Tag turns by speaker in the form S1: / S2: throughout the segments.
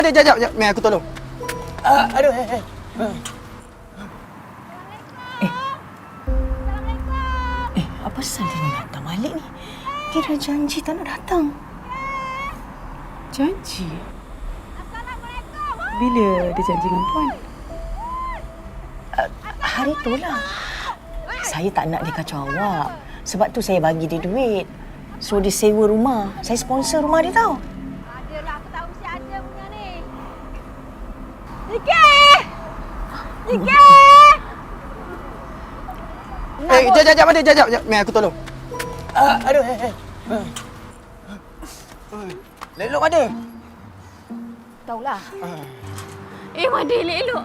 S1: Jap. Mei, aku tolong. Aduh,
S2: Apa pasal dia ni datang balik ni? Dia dah janji tak nak datang.
S3: Janji? Bila dia janji dengan Puan?
S2: Hari tu lah. Saya tak nak dia kacau awak. Sebab tu saya bagi dia duit. So dia sewa rumah. Saya sponsor rumah dia tau.
S4: Adalah, aku tahu mesti ada punya ni. Nikah!
S1: Jap. Mei, aku tolong. Aduh, Lelok ada.
S4: Tahulah. Madi elok-elok.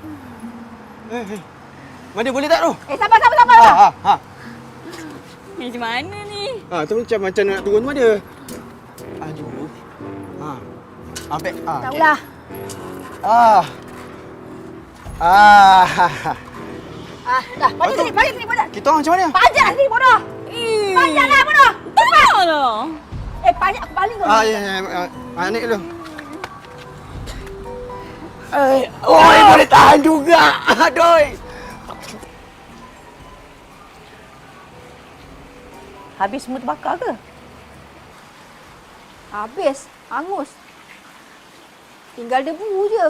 S1: Madi boleh tak tu?
S4: Sabar.
S1: Ha.
S4: Macam mana ni?
S1: Tu macam nak turun mana? Aduh. Ambil.
S4: Tahulah. Dah, balik sini, bodoh.
S1: Kita orang macam mana?
S4: Panjat lah sini, bodoh. Panjatlah, bodoh. Cepat. Panjat aku baling kau.
S1: Ya. Naik dulu. Boleh tahan juga. Aduh.
S2: Habis semua terbakar ke?
S4: Habis. Hangus. Tinggal debu je.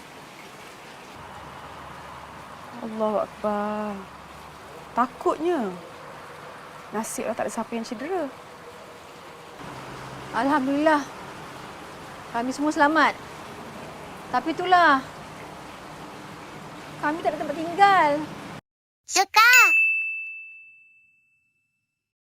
S3: Allahu Akbar. Takutnya. Nasiblah tak ada siapa yang cedera.
S4: Alhamdulillah. Kami semua selamat. Tapi itulah. Kami tak ada tempat tinggal.
S5: Suka.